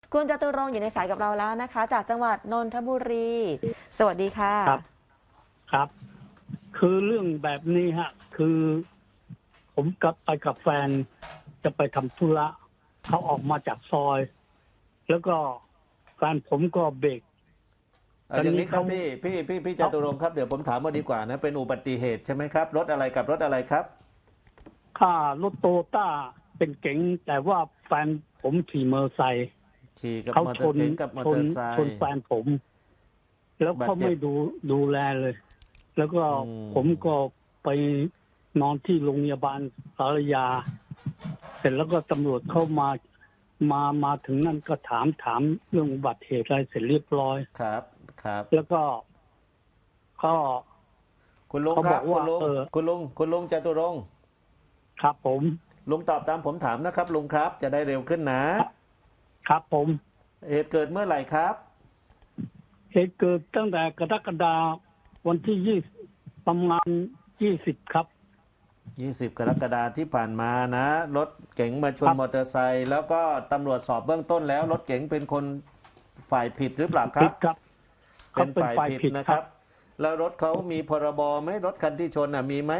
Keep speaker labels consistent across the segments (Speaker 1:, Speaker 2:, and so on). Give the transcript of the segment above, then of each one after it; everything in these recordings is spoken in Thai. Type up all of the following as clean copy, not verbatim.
Speaker 1: คุณจตุรงค์อยู่ในสายกับเราแล้วนะคะจากจังหวัดนนทบุรีสวัสดีค่ะ
Speaker 2: ครับครับคือเรื่องแบบนี้ฮะคือผมกับไปกับแฟนจะไปทำธุระเขาออกมาจากซอย แล้วก็แฟนผมก็เบรกตอน
Speaker 3: อย่าง
Speaker 2: นี้เขา
Speaker 3: นี้ครับพี่จตุรงค์ครับเดี๋ยวผมถามมาดีกว่านะเป็นอุบัติเหตุใช่ไหมครับรถอะไรกับรถอะไรครับ
Speaker 2: ค่ารถโตต้าเป็นเก๋งแต่ว่าแฟนผมขี่มอเตอร์ไซค์
Speaker 3: ขี่กับ
Speaker 2: เขาช
Speaker 3: มอเตอร์เก๋งกับมอเตอร์ไซ
Speaker 2: ชน
Speaker 3: ค์
Speaker 2: แฟนผม แล้วเขา
Speaker 3: บาดเจ็บ
Speaker 2: ไม่ดูแลเลย แล้วก็
Speaker 3: อืม
Speaker 2: ผมก็ไปนอนที่โรงพยาบาลสารยา เสร็จแล้วก็ตำรวจเข้ามาถึงนั่นก็ถามเรื่องอุบัติเหตุอะไรเสร็จเรียบร้อย
Speaker 3: ครับครับ
Speaker 2: แล้วก็ก็
Speaker 3: คุณลุง
Speaker 2: เขา
Speaker 3: ครับ
Speaker 2: บอกว่า
Speaker 3: คุณลุงจตุรงค์
Speaker 2: ครับผม
Speaker 3: ลุงตอบตามผมถามนะครับลุงครับจะได้เร็วขึ้นนะครับ
Speaker 2: ผม
Speaker 3: เหตุเกิดเมื่อไหร่ครับ
Speaker 2: เหตุเกิดตั้งแต่กรกฎาคมวันที่ประมาณ20ครับ
Speaker 3: 20 กรกฎาคมที่ผ่านมานะรถเก๋งมาชนมอเตอร์ไซค์แล้วก็ตำรวจสอบเบื้องต้นแล้วรถเก๋งเป็นคนฝ่ายผิดหรือเปล่าครั
Speaker 2: ผิ
Speaker 3: บ
Speaker 2: ดครับ
Speaker 3: เป็
Speaker 2: เขาเป็น
Speaker 3: นฝ่ายผิด
Speaker 2: ฝ่ายผิด
Speaker 3: นะครั
Speaker 2: ครับ
Speaker 3: บแล้วรถเขามีพรบไหมรถคันที่ชนมีไหม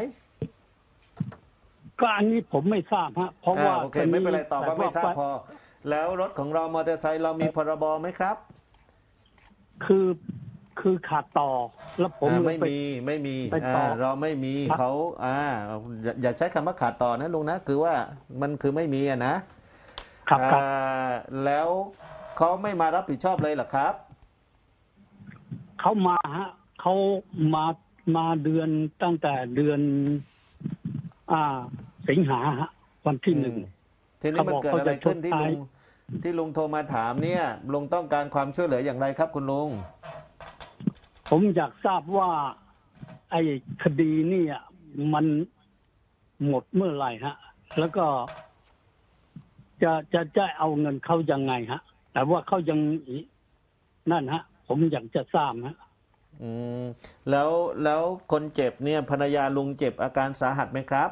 Speaker 2: ก็อันนี้ผมไม่ทราบฮะเพราะว่า
Speaker 3: โอเคไม่เป็นไรตอบว่าไม่ทราบพอ แล้วรถของเรามอเตอร์ไซค์เรามีพรบไหมครับ
Speaker 2: คือคือขาดต่อ แล้วผมเลยไป
Speaker 3: ไม่มี
Speaker 2: ไปต่อ
Speaker 3: เราไม่มี
Speaker 2: ครับ
Speaker 3: เขาอย่าใช้คำว่าขาดต่อนะลุงนะคือว่ามันคือไม่มีนะครับ
Speaker 2: ครับ
Speaker 3: แล้วเขาไม่มารับผิดชอบเลยเหรอครับ
Speaker 2: เขามาฮะเขามาเดือนตั้งแต่เดือน อ่า สิงหาฮะวันที่1
Speaker 3: ทีนี้มันเกิดอะไรขึ้นที่ลุงโทรมาถามเนี่ยลุงต้องการความช่วยเหลืออย่างไรครับคุณลุง
Speaker 2: ผมอยากทราบว่า ไอ้คดีเนี่ยมันหมดเมื่อไหร่ฮะ แล้วก็จะเอาเงินเขายังไงฮะ แต่ว่าเขายังนั่นฮะ ผมอยากจะทราบฮะ
Speaker 3: อืมแล้วคนเจ็บเนี่ยภรรยาลุงเจ็บอาการสาหัสไหมครับ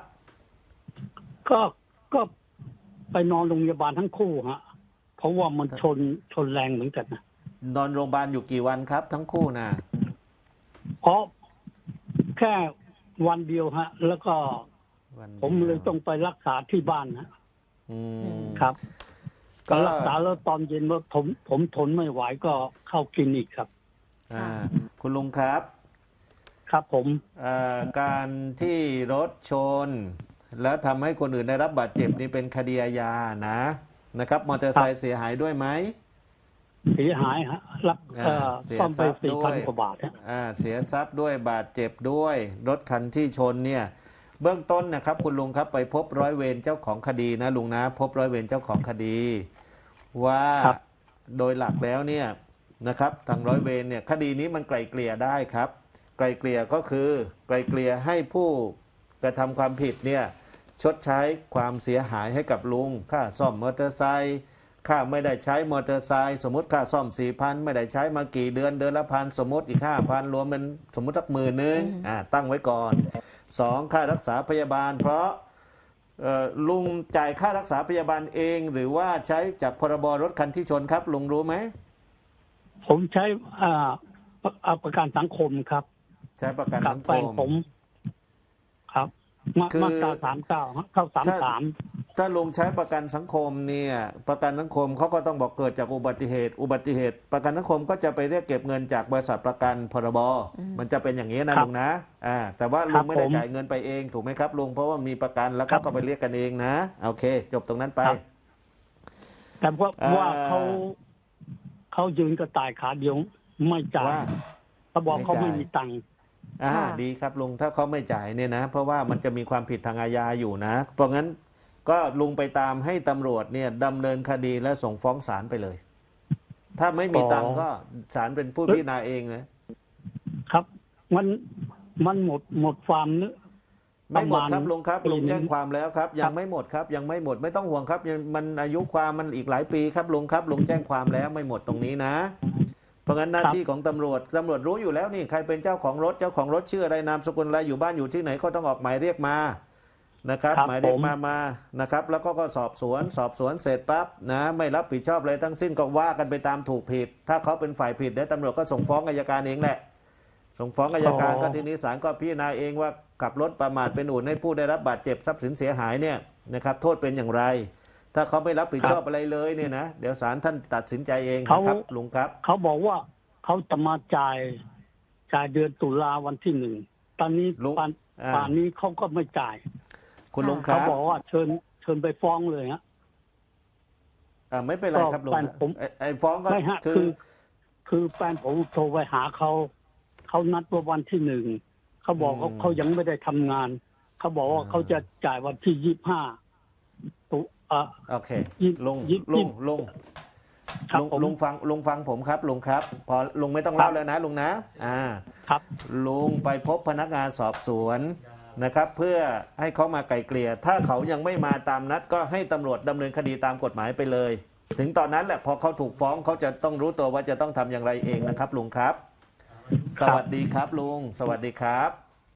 Speaker 2: ก็ไปนอนโรงพยาบาลทั้งคู่ฮะ เพราะว่ามันชนแรงเหมือนกันนะ
Speaker 3: นอนโรงพยาบาลอยู่กี่วันครับทั้งคู่นะ
Speaker 2: เพราะแค่วันเดียวฮะ แล้วก็ผมเลยต้องไปรักษาที่บ้านฮะครับก็รักษาแล้วตอนเย็นว่าผมทนไม่ไหวก็เข้าคลินิกครับ
Speaker 3: คุณลุงครับ
Speaker 2: ครับผม
Speaker 3: การที่รถชนแล้วทำให้คนอื่นได้รับบาดเจ็บนี่เป็นคดีอาญานะครับมอเตอร์ไซค์เสียหายด้วยไหม
Speaker 2: เสียหายฮะรับซ่อมไป4,000 กว่าบาท
Speaker 3: เสียทรัพย์ด้วยบาดเจ็บด้วยรถคันที่ชนเนี่ยเบื้องต้นนะครับคุณลุงครับไปพบร้อยเวรเจ้าของคดีนะลุงนะพบร้อยเวรเจ้าของคดีว่าโดยหลักแล้วเนี่ยนะครับทางร้อยเวรเนี่ยคดีนี้มันไกลเกลี่ยได้ครับไกลเกลี่ยก็คือไกลเกลี่ยให้ผู้กระทำความผิดเนี่ยชดใช้ความเสียหายให้กับลุงค่าซ่อมมอเตอร์ไซค์ค่าไม่ได้ใช้มอเตอร์ไซค์สมมติค่าซ่อม 4,000 ไม่ได้ใช้มากี่เดือนเดือนละพันสมมติอีก 5,000 รวมเป็นสมมติสัก10,000ตั้งไว้ก่อน2ค่ารักษาพยาบาลเพราะลุงจ่ายค่ารักษาพยาบาลเองหรือว่าใช้จากพรบรถคันที่ชนครับลุงรู้ไหม
Speaker 2: ผมใช้ประกันสังคมครับ
Speaker 3: ใช้ประกันสังคม
Speaker 2: ผมครับมาตรา39เข้า33
Speaker 3: ถ้าลุงใช้ประกันสังคมเนี่ยประกันสังคมเขาก็ต้องบอกเกิดจากอุบัติเหตุประกันสังคมก็จะไปเรียกเก็บเงินจากบริษัทประกันพรบมันจะเป็นอย่างนี้นะลุงนะแต่ว่าลุงไม่ได้จ่ายเงินไปเองถูกไหมครับลุงเพราะว่ามีประกันแล้วก็ไปเรียกกันเองนะโอเคจบตรงนั้นไป
Speaker 2: แต่ว่าเขายืนกระต่ายขาเดียวไม่จ่ายเขาบอกเขาไม่มีตังค์
Speaker 3: ดีครับลุงถ้าเขาไม่จ่ายเนี่ยนะเพราะว่ามันจะมีความผิดทางอาญาอยู่นะเพราะงั้นก็ลุงไปตามให้ตำรวจเนี่ยดำเนินคดีและส่งฟ้องศาลไปเลยถ้าไม่มีตังค์ก็ศาลเป็นผู้พิจารณาเอง
Speaker 2: นะครับมันหมดความนึก
Speaker 3: ไม่หมดครับลุงครับลุงแจ้งความแล้วครับยังไม่หมดครับยังไม่หมดไม่ต้องห่วงครับมันอายุความมันอีกหลายปีครับลุงครับลุงแจ้งความแล้วไม่หมดตรงนี้นะเพราะงั้นหน้าที่ของตำรวจรู้อยู่แล้วนี่ใครเป็นเจ้าของรถชื่ออะไรนามสกุลอะไรอยู่บ้านอยู่ที่ไหนก็ต้องออกหมายเรียกมานะครับ
Speaker 2: ครับ
Speaker 3: หมายเรียก
Speaker 2: ผม
Speaker 3: มานะครับ แล้วก็สอบสวนเสร็จปั๊บนะไม่รับผิดชอบอะไรทั้งสิ้นก็ว่ากันไปตามถูกผิด ถ้าเขาเป็นฝ่ายผิดเดี๋ยวตำรวจก็ส่งฟ้องอัยการเองแหละ ส่งฟ้องอัยการก็ทีนี้ศาลก็พิจารณาเองว่าขับรถประมาทเป็นเหตุให้ผู้ได้รับบาดเจ็บทรัพย์สินเสียหายเนี่ยนะครับโทษเป็นอย่างไร ถ้าเขาไม่รับผิดชอบอะไรเลยเนี่ยนะเดี๋ยวศาลท่านตัดสินใจเองนะครับลุงครับ
Speaker 2: เขาบอกว่าเขาจะมาจ่ายเดือนตุลาวันที่ 1ตอนนี้
Speaker 3: ลุง
Speaker 2: ป่านนี้เขาก็ไม่จ่าย
Speaker 3: คุณลุงค
Speaker 2: เขา
Speaker 3: รับ
Speaker 2: บอกว่าเชิญไปฟ้องเลยฮะ
Speaker 3: ไม่เป็นไรครับลุง
Speaker 2: แฟนผม
Speaker 3: ไอ้ฟ้องก็
Speaker 2: ไม่ฮะ คือแฟนผมโทรไปหาเขานัดว่าวันที่ 1เขาบอกว่าเขายังไม่ได้ทำงานเขาบอกว่าเขาจะจ่ายวันที่ 25ตุ
Speaker 3: โอเค
Speaker 2: ยี่
Speaker 3: ลุง
Speaker 2: ยี่
Speaker 3: ลุง
Speaker 2: ครับผม
Speaker 3: ลุงฟังผมครับลุงครับ พอลุงไม่ต้องเล่าแล้วนะลุงนะ
Speaker 2: ครับ
Speaker 3: ลุงไปพบพนักงานสอบสวนนะครับ เพื่อให้เขามาไกลเกลี่ยถ้าเขายังไม่มาตามนัดก็ให้ตำรวจดำเนินคดีตามกฎหมายไปเลย ถึงตอนนั้นแหละพอเขาถูกฟ้องเขาจะต้องรู้ตัวว่าจะต้องทำอย่างไรเองนะครับลุงครับ สวัสดีครับลุงสวัสดีครับ